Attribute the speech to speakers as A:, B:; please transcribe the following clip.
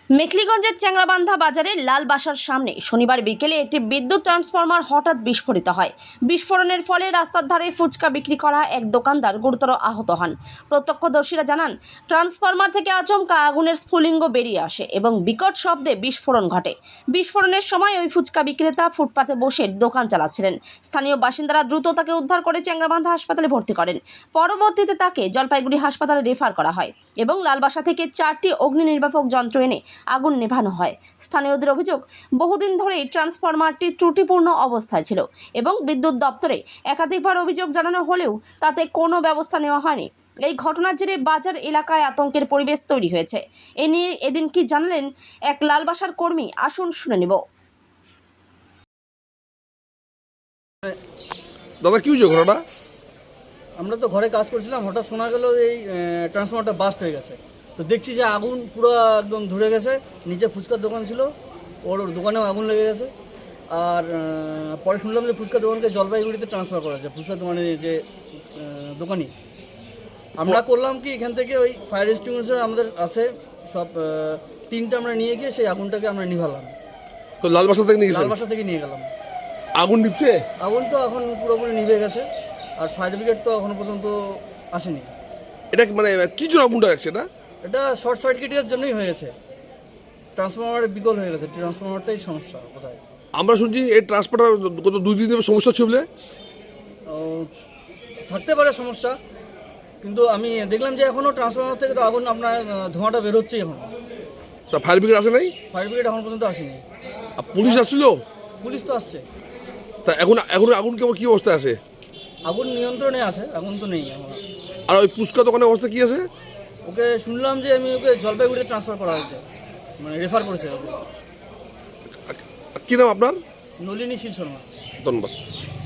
A: মেখলিগঞ্জের চ্যাংরাবান্ধা বাজারে লাল বাসার সামনে শনিবার বিকেলে একটি বিদ্যুৎ ট্রান্সফরমার হঠাৎ বিস্ফোরিত হয়। বিস্ফোরণের ফলে রাস্তার ধারে ফুচকা বিক্রি করা এক দোকানদার গুরুতর আহত হন। প্রত্যক্ষদর্শীরা জানান, ট্রান্সফরমার থেকে আচমকা আগুনের স্ফুলিঙ্গ বেরিয়ে আসে এবং বিকট শব্দে বিস্ফোরণ ঘটে। বিস্ফোরণের সময় ওই ফুচকা বিক্রেতা ফুটপাতে বসে দোকান চালাচ্ছিলেন। স্থানীয় বাসিন্দারা দ্রুত তাকে উদ্ধার করে চ্যাংরাবান্ধা হাসপাতালে ভর্তি করেন। পরবর্তীতে তাকে জলপাইগুড়ি হাসপাতালে রেফার করা হয় এবং লালবাসা থেকে 4টি অগ্নি নির্বাপক যন্ত্র এনে আগুন নেভানো হয়। স্থানীয়দের অভিযোগ, বহুদিন ধরেই ট্রান্সফরমারটি ত্রুটিপূর্ণ অবস্থায় ছিল এবং বিদ্যুৎ দপ্তরে একাধিকবার অভিযোগ জানানো হলেও তাতে কোনো ব্যবস্থা নেওয়া হয়নি। এই ঘটনার জেরে বাজার এলাকায় আতঙ্কের পরিবেশ তৈরি হয়েছে। এ নিয়ে এদিন কি জানালেন এক লালবাসার কর্মী, আসুন শুনে নেব।
B: দাদা কি হয়েছে ঘটনা?
C: আমরা তো ঘরে কাজ করছিলাম, হঠাৎ শোনা গেল এই ট্রান্সফরমারটা বাস্ট হয়ে গেছে। তো দেখছি যে আগুন পুরো একদম ধরে গেছে। নিচে ফুচকার দোকান ছিল, ওর দোকানেও আগুন লেগে গেছে। আর পরে শুনলাম যে ফুচকার দোকানকে জলপাইগুড়িতে ট্রান্সফার করা হয়েছে। ফুচকার দোকানের যে দোকানি, আমরা করলাম কি, এখান থেকে ওই ফায়ার এক্সটিংগুইশার আমাদের আছে সব, 3টা আমরা নিয়ে গিয়ে সেই আগুনটাকে আমরা নিভালাম।
B: তো লালবাসা থেকে নিয়ে গেছেন?
C: লালবাসা থেকে নিয়ে গেলাম।
B: আগুন নিভছে?
C: আগুন তো এখন পুরোপুরি নিভে গেছে, আর ফায়ার ব্রিগেড তো এখনো পর্যন্ত আসেনি।
B: এটা মানে কি জন্য আগুনটা লাগছে? না
C: এটা শর্ট সার্কিটের জন্যই হয়েছে, ট্রান্সফরমারের বিকল হয়ে গেছে। ট্রান্সফরমারটাই সমস্যা কোথায়।
B: আমরা শুনছি এই ট্রান্সফারটা গত 2 দিন ধরে সমস্যা ছিল।
C: থাকতে পারে সমস্যা, কিন্তু আমি দেখলাম যে এখনও ট্রান্সফরমার থেকে তো আগুন, আপনার ধোঁয়াটা বেরোচ্ছে এখন।
B: তা ফায়ার ব্রিগেড আসে নাই?
C: ফায়ার ব্রিগেড এখন পর্যন্ত আসেনি।
B: আর পুলিশ আসছিল?
C: পুলিশ তো আসছে।
B: তা এখন আগুন কেমন, কি অবস্থা আছে?
C: আগুন নিয়ন্ত্রণে আছে, আগুন তো নেই এখন।
B: আর ওই ফুচকা দোকানের অবস্থা কি আছে?
C: ওকে শুনলাম যে ওকে জলপাইগুড়িতে ট্রান্সফার করা হয়েছে, মানে রেফার করেছে ওকে।
B: কি নাম আপনার?
C: নলিনী শীল শর্মা।
B: ধন্যবাদ।